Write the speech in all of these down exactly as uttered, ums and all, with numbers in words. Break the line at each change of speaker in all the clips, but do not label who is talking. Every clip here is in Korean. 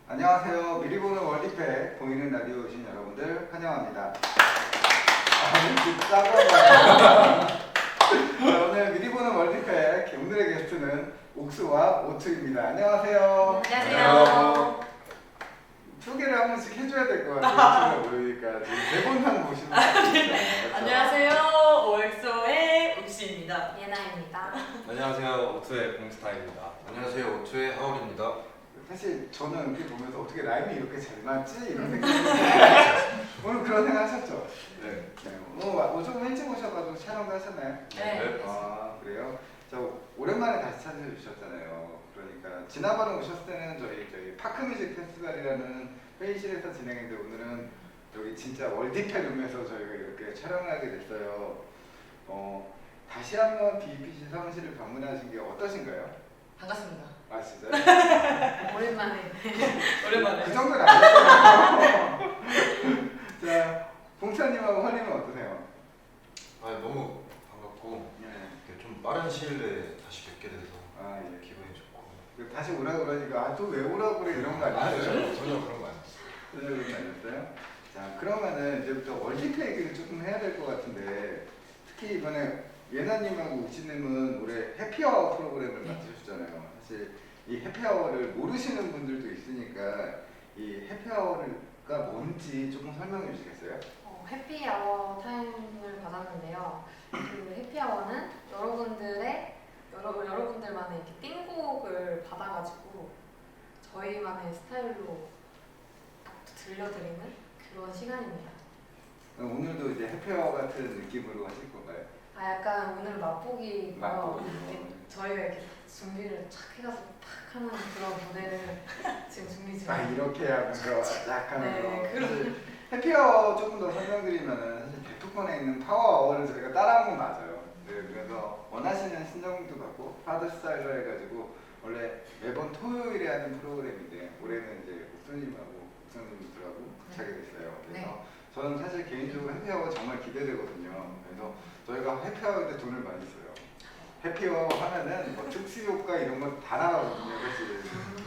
안녕하세요. 미리 보는 월드팩 보이는 라디오 오신 여러분들 환영합니다. 자, 오늘 미리 보는 월드팩 오늘의 게스트는 옥수와 오투입니다. 안녕하세요.
안녕하세요.
소개를 한 번씩 해줘야 될 것 같아요. 모르니까 지금 대본상 보시면
네. 안녕하세요. 오엑소의 옥시입니다.
예나입니다.
안녕하세요. 옥수의 봉스타입니다.
안녕하세요. 오투의 하울입니다.
사실 저는 이렇게 보면서 어떻게 라임이 이렇게 잘 맞지? 이런 생각이 오늘 그런 생각 하셨죠?
네.
네. 오늘 좀 일찍 오셔가지고 촬영도 하셨나요?
네.
아 그래요? 저 오랜만에 다시 찾아주셨잖아요. 그러니까 지난번에 오셨을 때는 저희 저희 파크뮤직 페스티벌이라는 회의실에서 진행했는데 오늘은 여기 진짜 월드팩 룸에서 저희가 이렇게 촬영을 하게 됐어요. 어 다시 한번 비피씨 사무실을 방문하신 게 어떠신가요?
반갑습니다.
아 진짜요?
오랜만에.
오랜만에.
그 정도는 아니었어요. 자, 봉차님하고 허님은 어떠세요?
아 너무 반갑고
네.
이렇게 좀 빠른 시일 내에 다시 뵙게 돼서
아 예.
기분이 좋고.
그 다시 오라 그러니까 아 또 왜 오라 그래 이런 거 아니었어요?
전혀, 전혀 그런 거 아니었어요.
전혀 그런 거 아니었어요? 자 그러면은 이제부터 월드팩 얘기를 조금 해야 될 것 같은데 특히 이번에 예나님하고 욱지님은 올해 해피아워 프로그램을 맡으셨잖아요. 사실 이 해피아워를 모르시는 분들도 있으니까 이 해피아워가 뭔지 조금 설명해 주시겠어요?
어, 해피아워 타임을 받았는데요. 그 해피아워는 여러분들의 여러, 여러분들만의 이렇게 띵곡을 받아가지고 저희만의 스타일로 들려드리는 그런 시간입니다.
그럼 오늘도 이제 해피아워 같은 느낌으로 하실 건가요?
아 약간 오늘 맛보기
맛보기.
저희가 이렇게 준비를 착 해가서 탁 하는 그런 무대를 지금 준비 중이에요.
아 이렇게 하면서 딱 하면서
네, 그런-
사실 해피아워 조금 더 설명드리면은 사실 백두콘에 있는 파워아워를 저희가 따라한 건 맞아요. 네, 그래서 원하시는 신청도 받고 하드스타일로 해가지고 원래 매번 토요일에 하는 프로그램인데 올해는 이제 옥수님하고 옥수님들하고 같이 하게 됐어요. 그래서
네.
저는 사실 개인적으로 해피아워 정말 기대되거든요. 그래서 저희가 해피아워 때 돈을 많이 써요. 해피아워 하면은 뭐 특수효과 이런 거 다 나가거든요. 사실.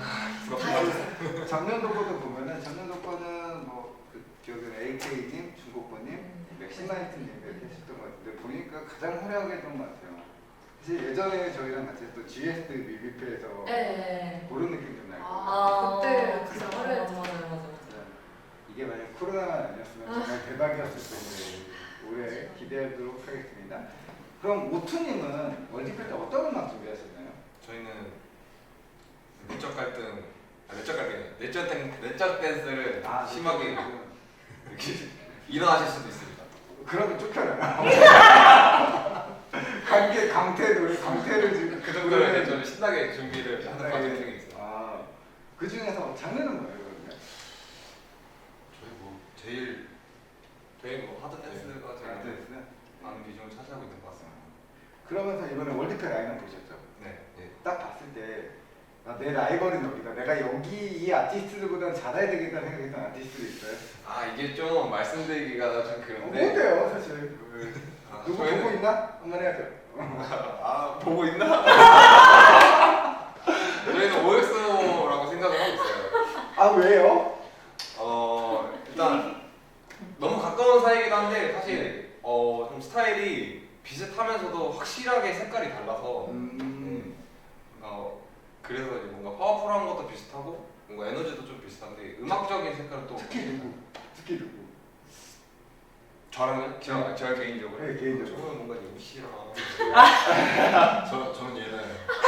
그 작년도 거도 보면은 작년도 거는 뭐그 기억에는 에이케이님, 중고권님, 맥시마이트님 이렇게 했었던 것 같은데 보니까 가장 화려하게 했던 것 같아요. 사실 예전에 저희랑 같이 했던 지에스 뮤비페에서
네.
그런 느낌 좀 나요.
아, 그때 진짜
맞아,
화려했죠.
맞아, 맞아, 맞아.
이게 만약 코로나가 아니었으면 정말 대박이었을 텐데 올해 기대하도록 하겠습니다. 그럼 오투님은 월드컵 때 어떤 음악 준비하셨나요?
저희는 내적 갈등, 아, 내적 갈등, 내적 댄, 내적 댄스를
아,
심하게
그-
이렇게 일어나실 수도 있습니다.
그러면 쫓겨나요. 강계 강태 노래 강태를 지금
그 정도로 좀 신나게 준비를 하는 과정 중에 있어요.
아, 그 중에서 장르는 뭐예요, 그러면?
저희 뭐 제일
저희 뭐 하드 댄스가 제일
아트레스?
많은 비중을 차지하고 있는 것 같습니다.
그러면서 이번에 월드컵 라인업 보셨죠?
네.
예.
딱 봤을 때 아, 내 라이벌은 여기다. 내가 여기 이 아티스트들보다 잘해야 되겠다는 생각했던 아티스트도 있어요?
아 이게 좀 말씀드리기가 좀
어,
그런데.
뭔데요, 사실?
아,
누구
저희는-
보고 있나? 한번 해야죠.
아 보고 있나? 저희는 오엑스라고 생각을 하고 있어요.
아, 왜요?
어 일단 너무 가까운 사이이기도 한데 사실 어 좀 스타일이 비슷하면서도 확실하게 색깔이 달라서
음,
어 그래서 이제 뭔가 파워풀한 것도 비슷하고 뭔가 에너지도 좀 비슷한데 음악적인 색깔은 또
특히 누구? 특히 누구?
저랑은 저, 저 개인적으로
네, 개인적으로.
저는 뭔가 유시랑
저 저는 얘는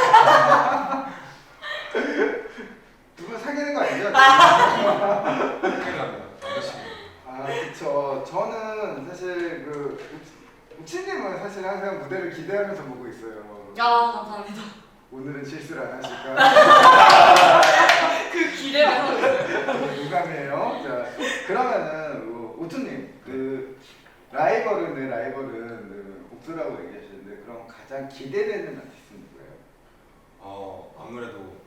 두 분 사귀는 거 아니죠?
큰일 납니다.
남자친구.
아, 그쵸. 저는 사실 그 우치님은 사실 항상 무대를 기대하면서 보고 있어요.
아, 감사합니다.
오늘은 실수를 안 하실까?
그 기대만 하고 있어요.
유감이에요. 자, 그러면은 어, 우투님 그 라이벌은 내 라이벌은 그 옥수라고 얘기하시는데 그럼 가장 기대되는 아티스트는 누구예요?
어 아무래도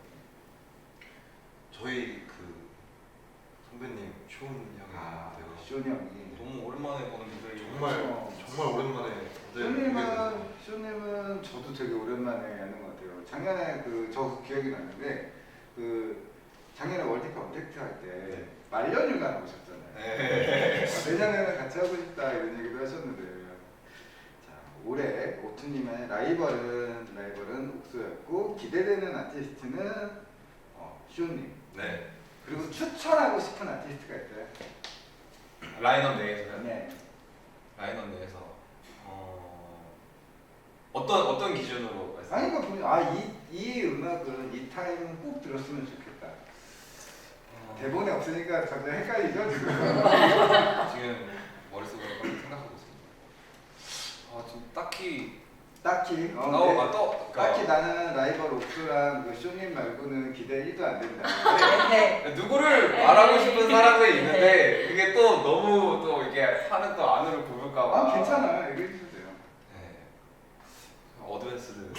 저희 그 선배님 쇼운 형이
아,
되고
쇼니 형이.
너무 오랜만에 보는 무대를
정말
그렇죠.
정말 오랜만에 무대 보게
쇼님은
돼서
쇼님은 저도 되게 오랜만에 하는 것 같아요. 작년에 그 저 기억이 나는데 그 작년에 월드컵 언택트 할 때 말년휴가 나오셨잖아요.
네.
내년에는 같이 하고 싶다 이런 얘기도 하셨는데 자 올해 오투님의 라이벌은 라이벌은 옥수였고 기대되는 아티스트는 어, 시온님
네.
그리고 추천하고 싶은 아티스트가 있어요?
라인업 내에서요?
네.
라인업 내에서 어... 어떤 어떤 기준으로 말씀?
아니 그러니까 아이 이 음악은 이 타임은 꼭 들었으면 좋겠다.
어...
대본에 없으니까 갑자기 헷갈리죠 지금.
지금 머릿속으로 빨리 생각하고 있습니다. 아 지금 딱히
딱히 어,
어,
네.
아, 또
딱히 나는 라이벌 옥수랑 그 쇼님 말고는 기대 일도 안 된다.
네.
누구를 말하고 싶은 사람이 있는데 그게 또 너무 또 이게 하는 또 안으로 굽을까봐.
아 괜찮아 얘기해 주세요.
네. 어드밴스를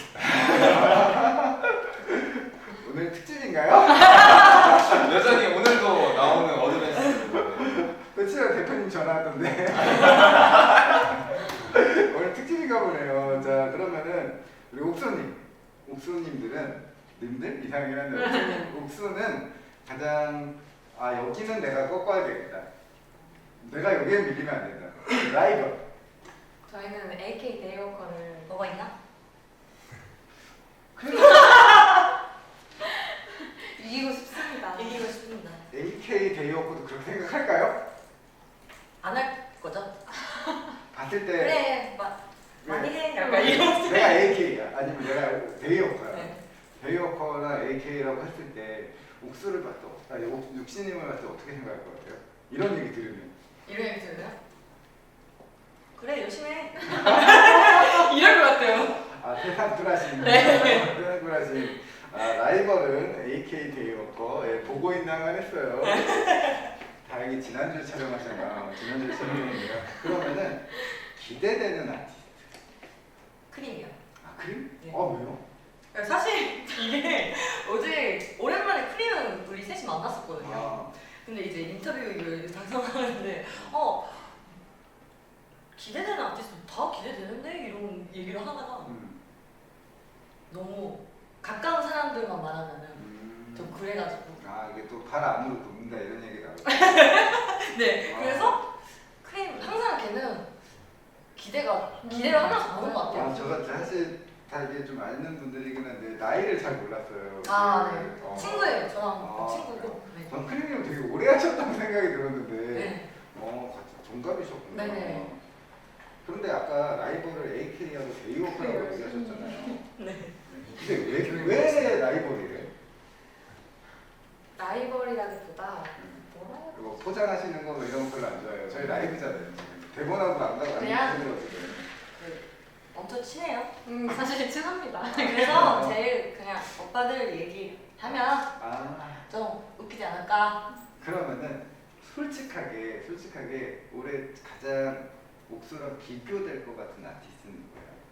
오늘 특집인가요?
여전히 오늘도 나오는 어드밴스.
며칠 대표님 전화 왔던데. 오늘 특집인가 보네요. 자 그러면은 우리 옥수님, 옥수님들은 님들 이상하긴 한데 옥수님, 옥수는 가장 아 여기는 내가 꺾어야 되겠다. 내가 여기에 밀리면 안 된다. 라이벌.
저희는 에이케이 데이워커를
뭐가 있나?
이기고 싶습니다.
이기고 싶습니다.
에이케이 데이워크도 그렇게 생각할까요?
안 할 거죠?
봤을 때
그래, 마,
왜?
많이 해. 약간 이런.
내가 에이케이야 아니면 내가 데이워커야.
네.
데이워커나 에이케이라고 했을 때 옥수를 봤을 때, 아니 옥- 육신님을 봤을 때 어떻게 생각할 것 같아요? 이런 얘기 들으면
이런 얘기 들으면? 그래, 열심히 해. 이럴 것 같아요.
아 세상 쿨하신
네.
세상 쿨하신 아, 라이벌은 에이케이 데이워커 예, 보고 있나만 했어요. 다행히 지난주에 촬영하셨나 지난주에 촬영했네요. 그러면은 기대되는 아티스트
크림이요.
아 크림?
네.
어 왜요?
사실 이게 어제 오랜만에 크림은 우리 셋이 만났었거든요.
아,
근데 이제 인터뷰 이걸 작성하는데 어 기대되는 아티스트 다 기대되는데 이런 얘기를 하다가
음,
너무 가까운 사람들만 말하면은
음.
좀 그래가지고
아 이게 또 발 안으로 굽는다 이런 얘기 나오고.
네
아.
그래서 크림 항상 걔는 기대가 기대를 하면서 보는 것 같아요.
아, 저가 사실 다 이게 좀 아는 분들이긴 한데 나이를 잘 몰랐어요.
아, 네.
어.
친구예요. 저랑
아,
친구고. 네.
전 크림님 되게 오래 하셨다고 생각이 들었는데
네.
어 같이 동갑이셨구나.
네네.
그런데 아까 라이벌을 에이케이하고 데이워크라고 얘기하셨잖아요.
네.
근데 왜, 왜 라이벌이래요?
라이벌이라기보다 뭐라 해야
그리고 포장하시는 거 뭐 이런 거 별로 안 좋아해요. 저희 라이브잖아요. 지금. 대본하고 안 가고 안
그냥-
힘들거든요.
네. 엄청 친해요.
음 사실 친합니다.
그래서 제일 그냥 오빠들 얘기하면
아
좀 웃기지 않을까.
그러면은 솔직하게 솔직하게 올해 가장 옥수랑 비교될 것 같은 아티스트는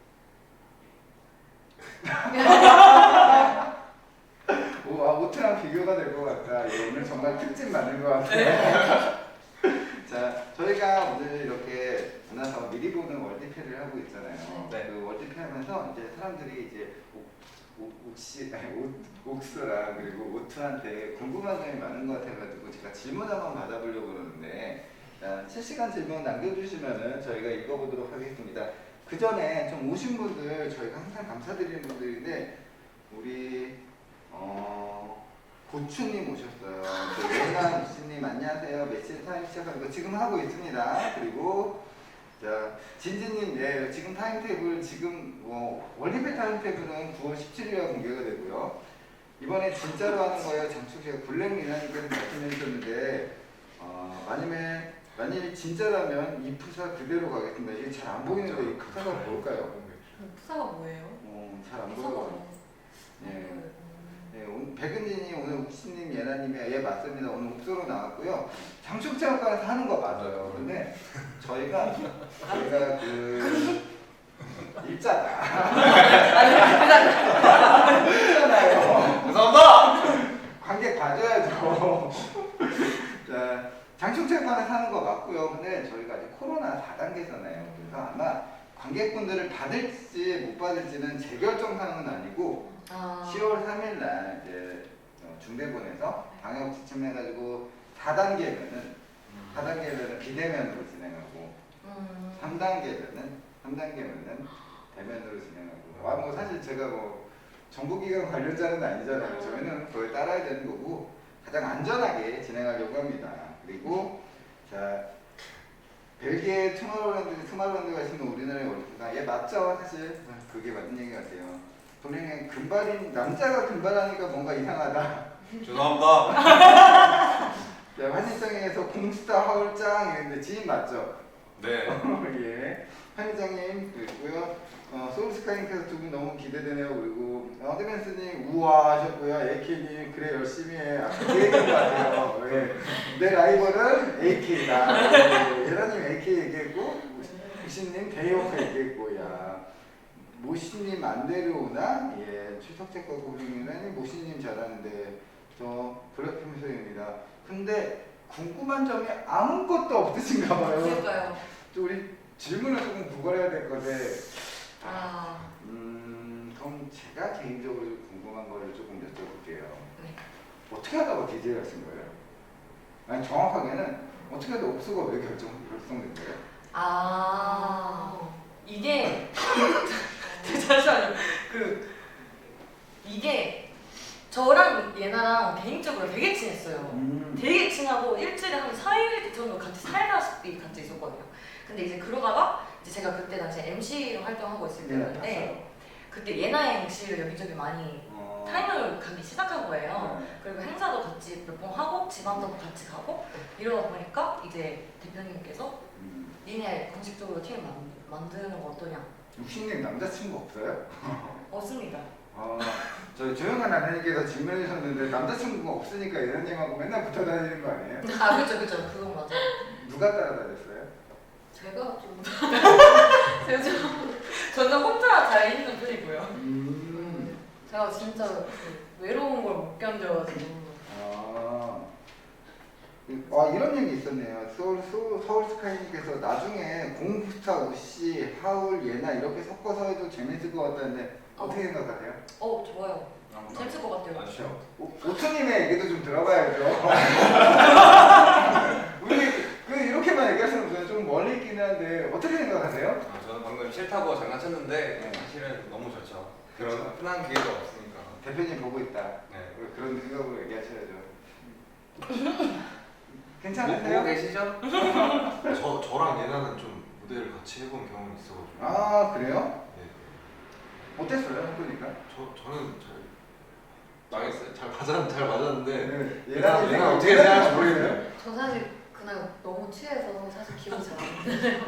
누구예요? 오, 아, 오트랑 비교가 될 것 같다. 예, 오늘 정말 특집 맞는 것 같아요. 자, 저희가 오늘 이렇게 만나서 미리 보는 월드패를 하고 있잖아요.
네.
그 월드패 하면서 이제 사람들이 이제 옥, 옥, 옥시, 아니, 옥, 옥수랑 그리고 오트한테 궁금한 점이 많은 것 같아가지고 제가 질문 한번 받아보려고 그러는데 자, 실시간 질문 남겨주시면은 저희가 읽어보도록 하겠습니다. 그 전에 좀 오신 분들 저희가 항상 감사드리는 분들인데 우리 어, 고추님 오셨어요. 또 예나 씨님 안녕하세요. 매실 타임 시작하는 거 지금 하고 있습니다. 그리고 자 진지님 네 지금 타임테이블 지금 뭐 월드패 타임테이블은 구월 십칠일에 공개가 되고요. 이번에 진짜로 하는 거예요. 장축씨가 블랙 미나님께서 말씀해 주셨는데 어, 만약에 만일 진짜라면 이 푸사 그대로 가겠습니다. 이게 잘 안 보이는데 이 푸사가 뭘까요?
푸사가 뭐예요?
어, 잘 안
푸사가
보여요.
뭐?
네. 네, 오늘 백은진이 오늘 욱시님, 예나님이 예 맞습니다. 오늘 옥수로 나왔고요. 장축체육관에서 하는 거 맞아요. 근데 저희가 저희가 그 일자다. 일자나요.
죄송합니다.
관객 봐줘야죠. 자, 장충체육관에서 하는 거 맞고요. 근데 저희가 아직 코로나 사 단계잖아요. 그래서 아마 관객분들을 받을지 못 받을지는 제 결정 사항은 아니고
아.
시월 삼일 날 이제 어, 중대본에서 방역 지침해가지고 사 단계면은 사 단계면은 비대면으로 진행하고
음.
삼 단계면은 삼 단계면은 대면으로 진행하고. 아 뭐 사실 제가 뭐 정부기관 관련자는 아니잖아요. 저희는 그걸 따라야 되는 거고 가장 안전하게 진행하려고 합니다. 그리고 자 벨기에 투마로랜드 투마로랜드 가시면 우리나라에 올까? 예 맞죠 사실 그게 맞는 얘기 같아요. 본인은 금발인 남자가 금발하니까 뭔가 이상하다.
죄송합니다.
자 환희정에서 공스타 하울짱 이랬는데 지인 맞죠?
네.
예. 환희정님 그리고요. 어, 소울스카이님께서 두 분 너무 기대되네요. 그리고 어드밴스님 우와 하셨고요. 에이케이님 그래 열심히 해. 아까 그 얘기한 것 같아요. 예. 내 라이벌은 에이케이다. 예. 예라님 에이케이 얘기했고 구신님 대이오크 얘기했고 야 모시님 안 데려오나? 예. 최석재과 고객님은 모시님 잘하는데 저 블랙핑소입니다. 근데 궁금한 점이 아무것도 없으신가 봐요.
그러니까요.
또 우리 질문을 조금 구걸해야 될 건데
아.
음 그럼 제가 개인적으로 궁금한 거를 조금 여쭤볼게요.
네.
어떻게 하다가 디제이 하신 거예요? 아니 정확하게는 어떻게 하다 옥수가 왜 결정 결정된 거예요?
아 이게 잠시만요. 그 이게 저랑 예나랑 개인적으로 되게 친했어요.
음.
되게 친하고 일주일에 한 사 일 정도 같이 살다시피 같이 있었거든요. 근데 이제 그러다가 이제 제가 그때 당시 엠시로 활동하고 있을
네,
때였는데
봤어요.
그때 예나의 엠시를 여기저기 많이
어.
타임을 가기 시작한 거예요.
네.
그리고 행사도 같이 몇 번 하고 지방도 같이 가고 이러다 보니까 이제 대표님께서
음.
니네 공식적으로 팀을 만, 만드는 거 어떠냐?
육신님 남자친구 없어요?
없습니다.
어, 저희 조용한 아내님께서 질문해 주셨는데 남자친구가 없으니까 예나님하고 맨날 붙어 다니는 거 아니에요?
아 그렇죠 그렇죠 그건 맞아.
누가 따라다녔어요?
제가 좀 제가 좀
저는 혼자 잘 있는 편이고요.
음.
제가 진짜 그 외로운 걸 못 견뎌가지고.
아, 아 이런 얘기 있었네요. 서울 서울, 서울 스카이님께서 나중에 공스타 우씨 하울 예나 이렇게 섞어서 해도 재밌을 것 같다는데 어떻게 생각하세요?
어 좋아요. 재밌을 것 같아요.
아시죠?
오, 오투님의 얘기도 좀 들어봐야죠. 우리 그 이렇게만 얘기하시는 분은 좀 멀리 있긴 한데 어떻게 생각하세요?
아, 저는 방금 싫다고 장난쳤는데
네.
사실은 너무 좋죠.
그렇죠.
그런 흔한 기회가 없으니까.
대표님 보고 있다.
네.
그런 생각으로 얘기하셔야죠.
보고
괜찮으세요?
계시죠?
저 저랑 예나는 좀 무대를 같이 해본 경험이 있어가지고.
아 그래요?
네.
어땠어요? 해보니까?
저 저는 잘
망했어요.
잘 맞았 잘 맞았는데
네.
예나
예나
예나 어떻게 생각할지 모르겠어요.
저 사실 그날 너무 취해서 사실 기억이 잘 안 나요.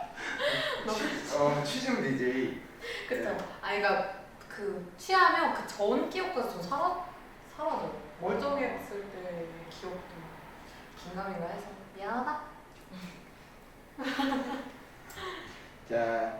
어 취중 디제이.
그쵸? 아니 그러니까 그 취하면 그 전 기억까지 좀 사라 사라져요. 멀쩡했을 때의 기억도 긴가민가 해서 미안하다.
자,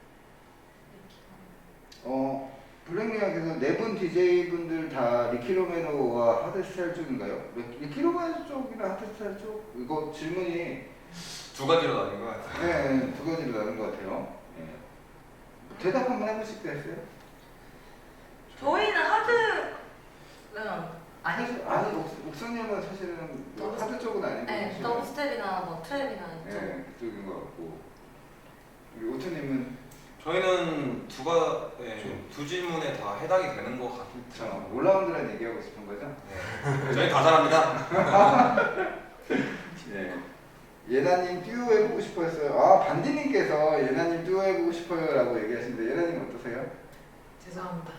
어 블랙리아께서 네 분 디제이 분들 다 리키로메노와 하드스타일 쪽인가요? 리- 리키로메노 쪽이나 하드스타일 쪽? 이거 질문이
두 가지로 나뉜 것 같아요.
네, 두 가지로 나눈 것 같아요. 네. 대답 한번 해보실 때 했어요?
저희는 하드는 아니
사실- 아니 옥- 옥수님은 사실은 뭐 하드 쪽은 아니고
네,
사실은-
더블 스텝이나 뭐 트랩이나 이쪽.
네, 그쪽인 것 같고 우리 오투님은
저희는 두가 네, 두 질문에 다 해당이 되는 것
저
같아요.
올라운드란 얘기하고 싶은 거죠?
네. 저희 다 잘합니다.
네. 예나님 듀오 해보고 싶어 했어요. 아 반디님께서 예나님 듀오 해보고 싶어요 라고 얘기하시는데 예나님 어떠세요?
죄송합니다.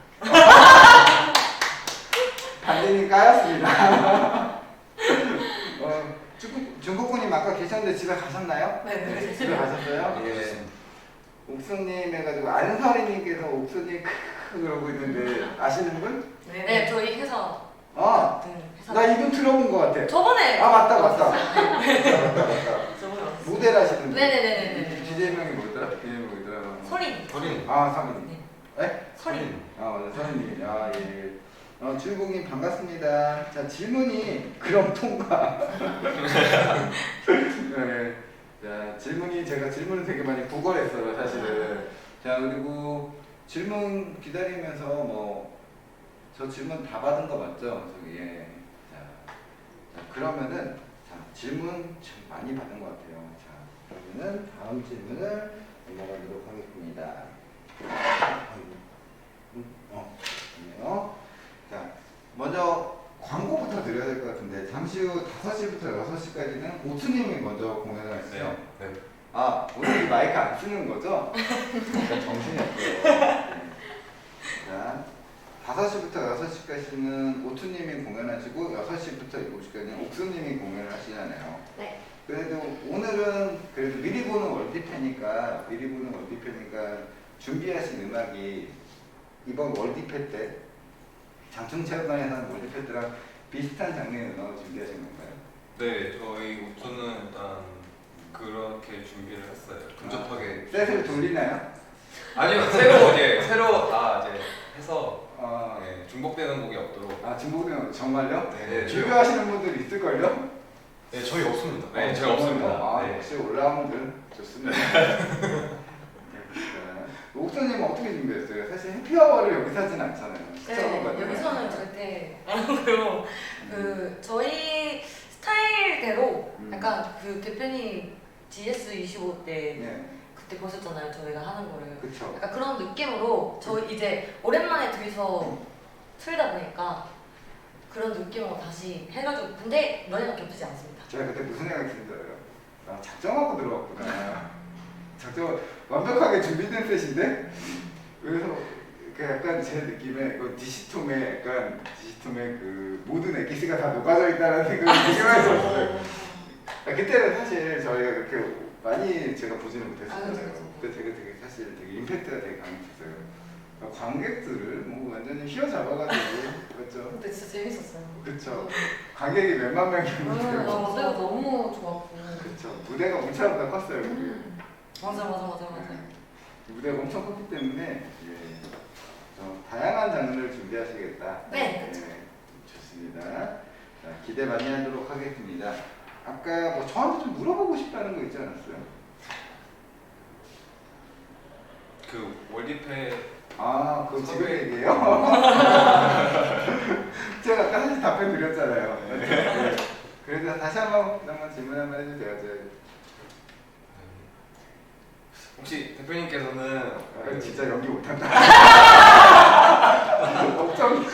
반디님 까였습니다. 어, 중국, 중국분님 아까 계셨는데 집에 가셨나요?
네네.
집에 가셨어요? 예. 옥수님 해가지고 안설이님께서 옥수님 크크 그러고 있는데 아시는 분?
네, 저희 회사
아,
같은 회사.
나 이분 들어본 것 같아.
저번에
아 맞다 맞다.
왔었어요.
맞다 맞다.
저번에 왔어요.
모델 하시는 분.
네네네네네.
디제이 명이 뭐였더라? 디제이 명이 뭐였더라?
소린.
저린
아 사모님.
네.
네?
소린.
아 맞아 서현님. 아 예. 어 주일공님 반갑습니다. 자 질문이 그럼 통과. 네. 자 질문이 제가 질문을 되게 많이 구걸했어요 사실은. 자 그리고 질문 기다리면서 뭐 저 질문 다 받은 거 맞죠? 저기 예. 자, 자 그러면은 자 질문 참 많이 받은 것 같아요. 자 그러면은 다음 질문을 넘어가도록 하겠습니다. 음, 어, 좋네요. 자 먼저 광고부터 드려야 될 것 같은데 잠시 후 다섯 시부터 여섯 시까지는 오투님이 먼저 공연을 하시죠?
네.
아 오늘 이 마이크 안 쓰는 거죠? 약간 정신이 없어요. 네. 자 다섯 시부터 여섯 시까지는 오투님이 공연하시고 여섯 시부터 일곱 시까지는 옥수님이 공연을 하시잖아요.
네.
그래도 오늘은 그래도 미리 보는 월드페니까 미리 보는 월드페니까 준비하신 음악이 이번 월드페 때 장충체육관에서 하는 월드페 때랑 비슷한 장르의 음악을 준비하신 건가요?
네, 저희 우투는 일단 그렇게 준비를 했어요.
근접하게
셋을 돌리나요?
아니요, 새로 이제 새로 다 이제 해서
아,
네, 중복되는 곡이 없도록.
아 중국은 정말요?
네,
준비하시는 분들 있을걸요?
네, 저희 없습니다.
네,
어,
제가 없습니다.
아,
네.
역시 올라운드 좋습니다. 옥수님 어떻게 준비했어요? 사실 해피아워를 여기서 하진 않잖아요.
네, 여기서는 절대 안 하고요. 그 저희 스타일대로
음.
약간 그 대표님 지에스 이십오 때
네,
그때 보셨잖아요. 저희가 하는 거를.
그쵸.
약간 그런 느낌으로 저희 이제 오랜만에 둘이서 틀다 보니까 그런 느낌으로 다시 해가지고 근데 너네가 겹치지 않습니다.
제가 그때 무슨 생각이 드는 줄 알아요? 나 작정하고 들어왔구나. 작정 완벽하게 준비된 셋인데 그래서 그 약간 제 느낌에 그 디시톰의 약간 디시톰의 그 모든 엑기스가 다 녹아져 있다는 생각이 되게 많이 들었어요. 아, 그때는 사실 저희가 그렇게 많이 제가 보지는 못했었잖아요.
아, 그쵸, 그쵸.
그때 되게 되게 사실 되게 임팩트가 되게 강했었어요. 관객들을 뭐 완전히 휘어잡아가지고 그렇죠.
근데 진짜 재밌었어요.
그쵸. 관객이 몇만
음,
명이었는데
어.
무대가 너무 좋았고.
그쵸. 무대가 엄청 컸어요. 그게.
음.
맞아 맞아 맞아 맞아.
네. 무대가 엄청 컸기 때문에 예. 어, 다양한 장르를 준비하시겠다.
네,
예, 좋습니다. 자, 기대 많이 하도록 하겠습니다. 아까 뭐 저한테 좀 물어보고 싶다는 거 있지 않았어요?
그 월드페
아, 그거 지금
섭외.
얘기해요? 제가 아까 사실 답변 드렸잖아요. 네. 그래서 다시 한번 한번 질문 한번 해주세요. 저,
혹시 대표님께서는
아, 진짜 연기 못한다. 걱정.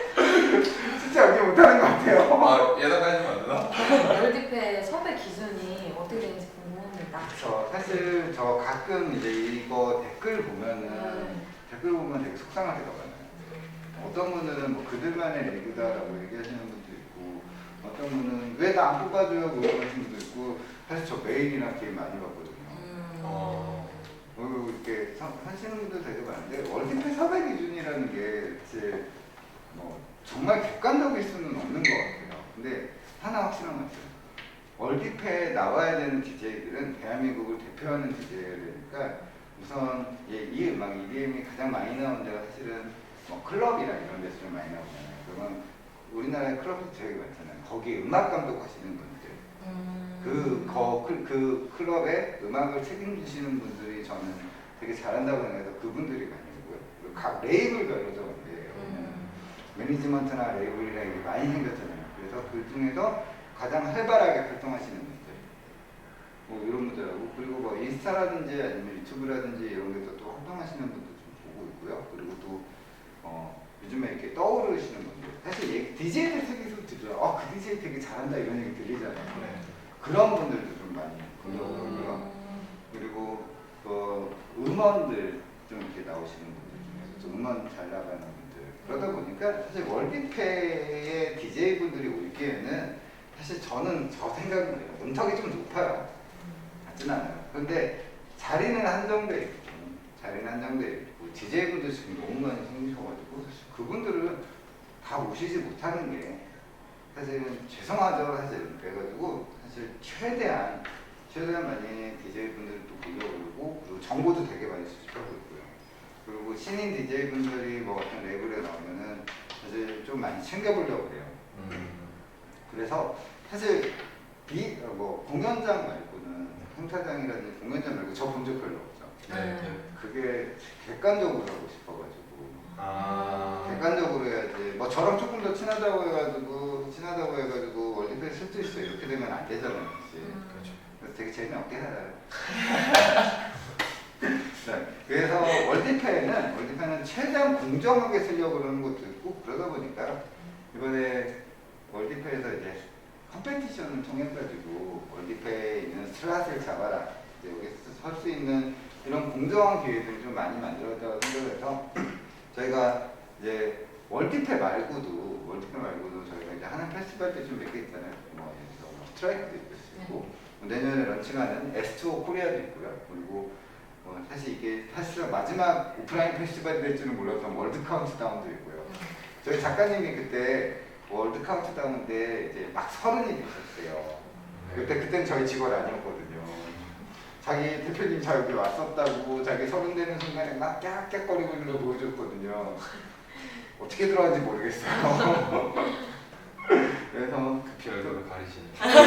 진짜 연기 못하는 것 같아요.
아 예상하시면 안 되나?
월드페 섭외 기준이 어떻게 되는지 궁금합니다.
저 사실 저 가끔 이제 이거 댓글 보면은
음.
댓글 보면 되게 속상할 때가 많아요. 어떤 분들은 뭐 그들만의 리그다라고 얘기하시는 분도 있고, 어떤 분은 왜 나 안 뽑아줘요 물어보시는 분도 있고, 사실 저 메일이나 게임 많이 받거든요.
음.
어.
어, 이렇게 서- 하시는 분들 되게 많은데 월드페 섭외 기준이라는 게 이제 뭐 정말 객관적일 수는 없는 것 같아요. 근데 하나 확실한 건 있어요. 월드페에 나와야 되는 디제이들은 대한민국을 대표하는 디제이들이니까 우선 예, 이 음악 이디엠이 가장 많이 나오는 데가 사실은 뭐 클럽이나 이런 데서 좀 많이 나오잖아요. 그러면 우리나라에 클럽이 되게 많잖아요. 거기 음악 감독 하시는 분들.
음.
그, 거, 그, 그 클럽에 음악을 책임지시는 분들이 저는 되게 잘한다고 생각해서 그분들이 많이 오고요. 그리고 각 레이블별로 좀 이제
음.
매니지먼트나 레이블이나 이게 많이 생겼잖아요. 그래서 그 중에서 가장 활발하게 활동하시는 분들, 뭐 이런 분들하고, 그리고 뭐 인스타라든지 아니면 유튜브라든지 이런 데서 또 활동하시는 분들 좀 보고 있고요. 그리고 또 어, 요즘에 이렇게 떠오르시는 분들, 사실 디제이들 세계에서 들어요. 어, 그 디제이 되게 잘한다 이런 얘기 들리잖아요. 그런 분들도 좀 많이 보려고 하고요. 그리고 그 음원들 좀 이렇게 나오시는 분들 중에서 좀 음원 잘 나가는 분들, 그러다 보니까 사실 월드페의 디제이 분들이 올 기에는 사실 저는 저 생각은 그래요. 문턱이 좀 높아요. 같진 않아요. 그런데 자리는 한정돼 있고, 자리는 한정돼 있고, 디제이 분들 지금 너무 많이 생기셔가지고 사실 그분들은 다 모시지 못하는 게 사실은 죄송하죠. 사실 그래가지고 사실 최대한 최대한 많이 디제이 분들을 또 보려고, 그리고 정보도 되게 많이 수집하고 있고요. 그리고 신인 디제이 분들이 뭐 어떤 레벨에 나오면은 사실 좀 많이 챙겨보려고 해요.
음.
그래서 사실 비, 어, 뭐 공연장 말고는 행사장이라든지 공연장 말고 저 본 적 별로 없죠.
네.
음.
그게 객관적으로 하고 싶어가지고
아.
객관적으로 해야지. 뭐 저랑 조금 더 친하다고 해가지고 친하다고 해가지고 월드페이 쓸 수 있어 이렇게 되면 안 되잖아요. 그치?
음.
그렇죠.
그래서 되게 재미없게 살아요. 네, 그래서 월드페이는 월드페이는 최대한 공정하게 쓰려고 그러는 것도 있고 그러다 보니까 이번에 월드페이에서 이제 컴페티션을 통해 가지고 월드페이에 있는 슬롯을 잡아라. 이제 여기서 설 수 있는 이런 공정한 기회들을 좀 많이 만들었다고 생각해서 저희가 이제 월드페이 말고도 월드페이 말고도 저희가 이제 하는 페스티벌들 좀 몇 개 있잖아요. 뭐 예를 들어서 뭐 스트라이크도 있을 수 있고 뭐 내년에 런칭하는 에스 투 오 코리아도 있고요. 그리고 뭐 사실 이게 사실은 마지막 오프라인 페스티벌이 될 줄은 몰랐던 월드 카운트다운도 있고요. 저희 작가님이 그때 월드 카운트다운 때 이제 막 서른이 되셨어요. 그때 그때는 저희 직원 아니었거든요. 자기 대표님 자 여기 왔었다고 자기 서른 되는 순간에 막 깍깍거리고 있는 거 보여줬거든요. 어떻게 들어갔는지 모르겠어요. 그래서
급히 얼굴을 가리시네.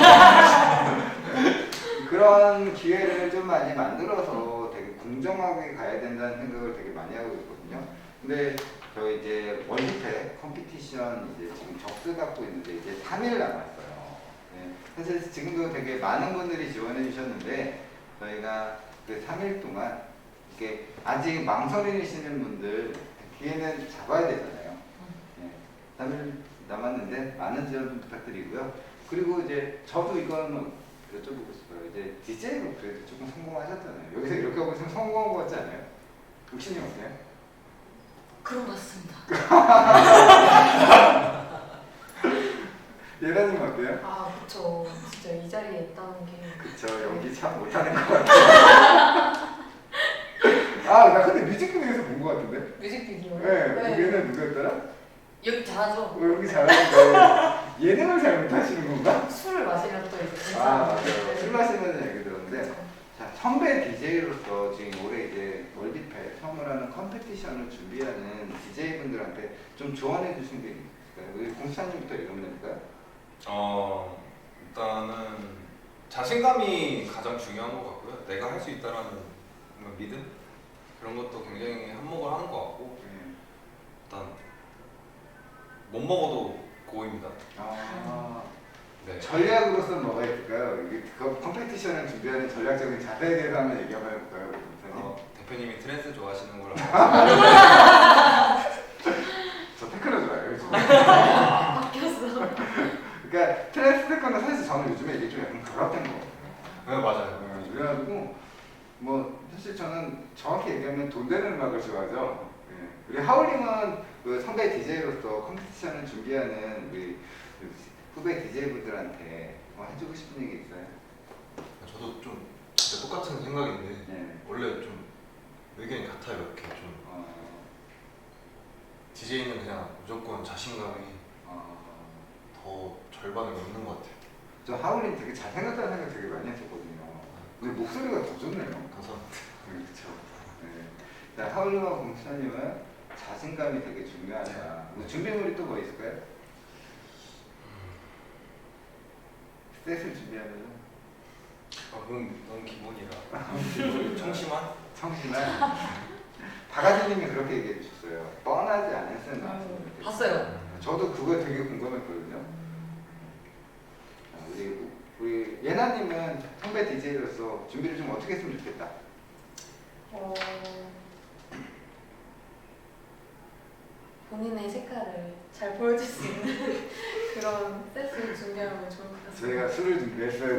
그런 기회를 좀 많이 만들어서 되게 공정하게 가야 된다는 생각을 되게 많이 하고 있거든요. 근데 저희 이제 월드페이 컴피티션 이제 지금 접수 갖고 있는데 이제 삼 일 남았어요. 네. 사실 지금도 되게 많은 분들이 지원해 주셨는데 저희가 그 삼 일 동안 이렇게 아직 망설이시는 분들 기회는 잡아야 되잖아요. 네. 삼 일 남았는데 많은 지원 좀 부탁드리고요. 그리고 이제 저도 이거는 여쭤보고 싶어요. 이제 디제이로 그래도 조금 성공하셨잖아요. 여기서 이렇게 하고 있으면 성공한 것 같지 않아요? 육신이 어때요?
그런 것 같습니다.
예라님 어때요?
아 그쵸. 진짜 이 자리에 있다는 게.
그쵸, 연기 참 못하는 것 같아요. 아, 나 근데 뮤직비디오에서 본 것 같은데?
뮤직비디오.
네, 얘는 누구였더라?
여기 잘하죠?
어, 연기 잘하는데 예능을 잘 못하시는 건가?
술을 마시면 또 이제
아, 맞아요.
네.
술 마시는 얘기 들었는데 자, 선배 디제이로서 지금 올해 이제 월드페이 처음으로 하는 컴페티션을 준비하는 디제이분들한테 좀 조언해 주신 게 있을까요? 우리 공수사님부터 읽으면 될까요?
어 일단은 자신감이 가장 중요한 것 같고요. 내가 할 수 있다라는 믿음 그런 것도 굉장히 한몫을 하는 것 같고 일단 못 먹어도 고입니다.
아,
네.
전략으로서는 뭐가 있을까요? 이게 그 컴페티션을 준비하는 전략적인 자세에 대해서 한번 얘기 한번 해볼까요? 공수사님?
어, 대표님이 트랜스 좋아하시는 걸
저 테크노 좋아해요. 요즘.
바뀌었어.
그러니까 트랜스 테크노 사실 저는 요즘에 이게 좀 약간 결합된 거 같아요.
네 맞아요.
어, 그래가지고 뭐 사실 저는 정확히 얘기하면 돈 되는 음악을 좋아하죠. 예. 우리 하울링은 그 선배 디제이로서 컴피티션을 준비하는 우리 후배 디제이분들한테 뭐 해주고 싶은 얘기 있어요?
저도 좀 진짜 똑같은 생각인데
네.
원래 좀 의견이 같아요. 이렇게 좀
어,
디제이는 그냥 무조건 자신감이
어,
더 절반을 넘는 것 같아요.
저 하울링 되게 잘 생각하는 생각 되게 많이 했었거든요. 근데 목소리가 더 좋네요.
감사합니다.
그렇죠. 네. 자, 하울링과 공수사님은 자신감이 되게 중요하다. 뭐 준비물이 또 뭐 있을까요? 셋을 준비하면은
아, 그건 너무 기본이라. 청심한?
청심한 박아지님이 그렇게 얘기해 주셨어요. 뻔하지 않은 쌤 나왔으면 좋겠어요.
봤어요.
저도 그거 되게 궁금했거든요. 자, 우리 우리 예나님은 선배 디제이로서 준비를 좀 어떻게 했으면 좋겠다.
어, 본인의 색깔을 잘 보여줄 수 있는 그런 셋을 준비하면 좋을 것 같습니다.
저희가 술을 준비했어요.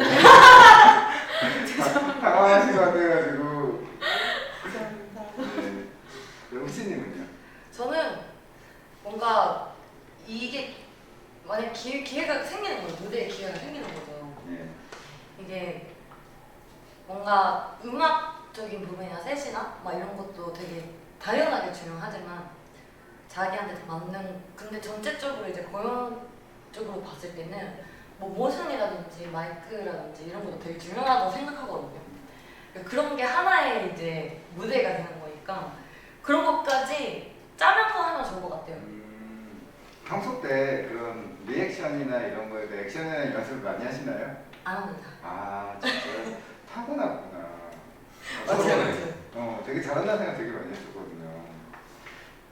당황하신 것 같아가지고.
감사합니다.
네. 웅씨님은요?
저는 뭔가 이게 만약 기회, 기회가 생기는 거죠. 무대에 기회가 생기는 거죠.
네.
이게 뭔가 음악적인 부분이나 셋이나 막 이런 것도 되게 당연하게 중요하지만 자기한테 더 맞는 근데 전체적으로 이제 공연적으로 봤을 때는 뭐 모션이라든지 마이크라든지 이런 것도 되게 중요하다고 생각하거든요. 그러니까 그런 게 하나의 이제 무대가 되는 거니까 그런 것까지 짜면서 하면 좋을 것 같아요.
음, 평소 때 그런 리액션이나 이런 거에 대해 액션이나 연습을 많이 하시나요?
안 합니다.
아, 진짜 타고났구나.
맞아요,
저는,
맞아요.
어, 되게 잘한다는 생각 되게 많이 했었거든요. 아,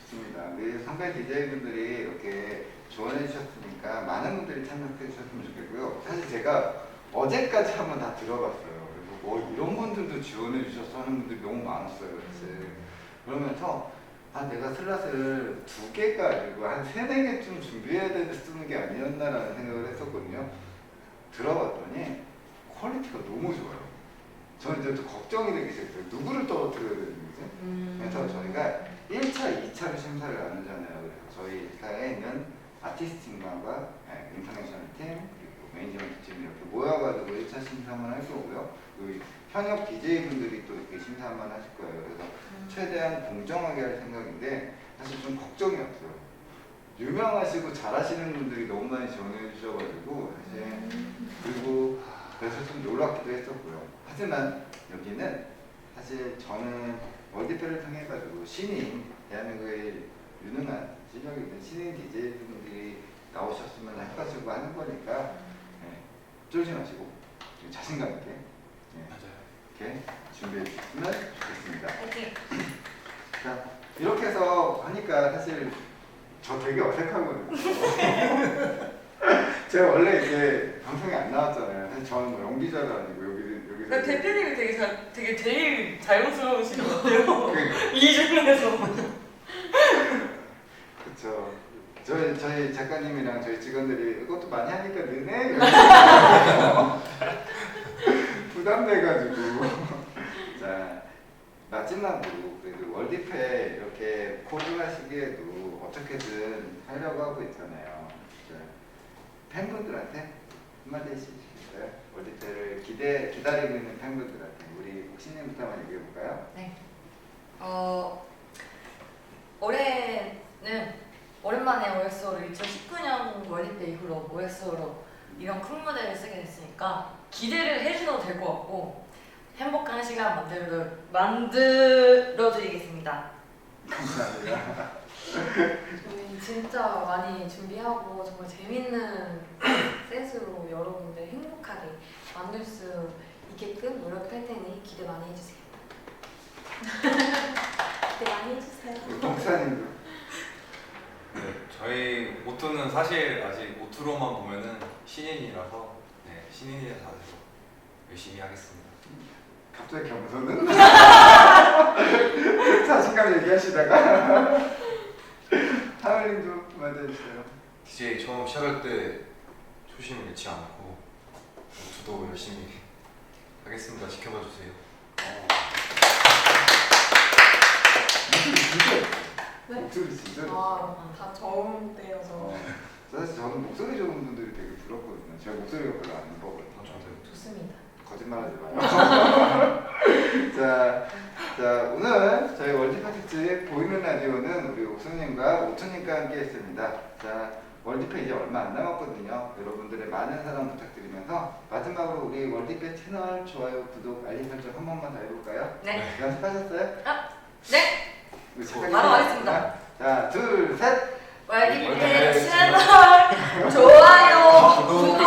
좋습니다. 우리 선배 디제이분들이 이렇게 조언해 주셨으니까 많은 분들이 참여해 주셨으면 좋겠고요. 사실 제가 어제까지 한번 다 들어봤어요. 그래서 뭐 이런 분들도 지원해 주셔서 하는 분들이 너무 많았어요. 사실. 그러면서 아 내가 슬롯을 두 개가 아니고 한 세네 개쯤 준비해야 되는 쓰는 게 아니었나라는 생각을 했었거든요. 들어봤더니 퀄리티가 너무 좋아요. 저는 이제 또 걱정이 되기 시작했어요. 누구를 떨어뜨려야 되는 거지?
음.
그래서 저희가 일 차, 이 차로 심사를 나누잖아요. 그래서 저희 회사에 있는 아티스트팀과 네, 인터내셔널 팀, 그리고 매니지먼트 팀 이렇게 모여가지고 일 차 심사만 할 거고요. 그리고 현역 디제이분들이 또 이렇게 심사만 하실 거예요. 그래서
음.
최대한 공정하게 할 생각인데 사실 좀 걱정이 없어요. 유명하시고 잘하시는 분들이 너무 많이 지원해 주셔가지고 사실 그리고 그래서 좀 놀랍기도 했었고요. 하지만 여기는 사실 저는 월드페를 통해 가지고 신인 대한민국의 유능한 실력 있는 신인 디제이분들이 나오셨으면 해가지고 하는 거니까 네, 쫄지 마시고 자신감 있게 네,
맞아요.
이렇게 준비해 주셨으면 좋겠습니다.
파이팅.
자 이렇게 해서 하니까 사실 저 되게 어색하거든요. 제가 원래 이제 방송에 안 나왔잖아요. 사실 저는 뭐 연기자도 아니고 여기 여기서
그러니까 대표님이 되게 자, 되게 제일 자연스러우신 것 같아요.
그러니까.
이 중에서.
그쵸. 저희 저희 작가님이랑 저희 직원들이 이것도 많이 하니까 느네 이러면서 부담돼가지고 자 마지막으로 그래도 월드페 이렇게 코로나 시기에도 어떻게든 하려고 하고 있잖아요. 자, 팬분들한테 한마디 해주시겠어요? 월드페를 기대 기다리고 있는 팬분들한테 우리 옥신님부터 한번 얘기해 볼까요?
네. 어 올해는 오랜만에 오엑스오로 이천십구 년 월드페 이후로 오엑스오로 이런 큰 무대를 쓰게 됐으니까 기대를 해주셔도 될 것 같고 행복한 시간 만들어 만들어드리겠습니다.
감사합니다.
저희 진짜 많이 준비하고 정말 재밌는 셋으로 여러분들 행복하게 만들 수 있게끔 노력할 테니 기대 많이 해주세요. 기대 많이 해주세요.
목사님도
네, 저희 모토는 사실 아직 모토로만 보면은 신인이라서 네, 신인이라서 열심히 하겠습니다.
갑자기 겸손은 자신감 얘기하시다가 하을님도 맞아주세요.
디제이 처음 시작할 때 초심을 잃지 않고 저도 열심히 하겠습니다. 지켜봐 주세요.
목소리 진짜 예뻐요.
네?
목소리 진짜 예뻐요.
아, 다 저음 때여서
어, 사실 저는 목소리 좋은 분들이 되게 부럽거든요. 제가 목소리가 별로 안 예뻐거든요.
좋습니다.
거짓말하지 마요. 자, 자 오늘 저희 월드페 특집 보이는 라디오는 우리 옥수님과 오천님과 함께했습니다. 자 월드페 이제 얼마 안 남았거든요. 여러분들의 많은 사랑 부탁드리면서 마지막으로 우리 월드페 채널 좋아요, 구독, 알림 설정 한 번만 더 해볼까요?
네.
연습하셨어요?
네.
우리
저
작가님
바로 하겠습니다.
자, 둘, 셋.
월드페
월드페
채널 좋아요, 구독.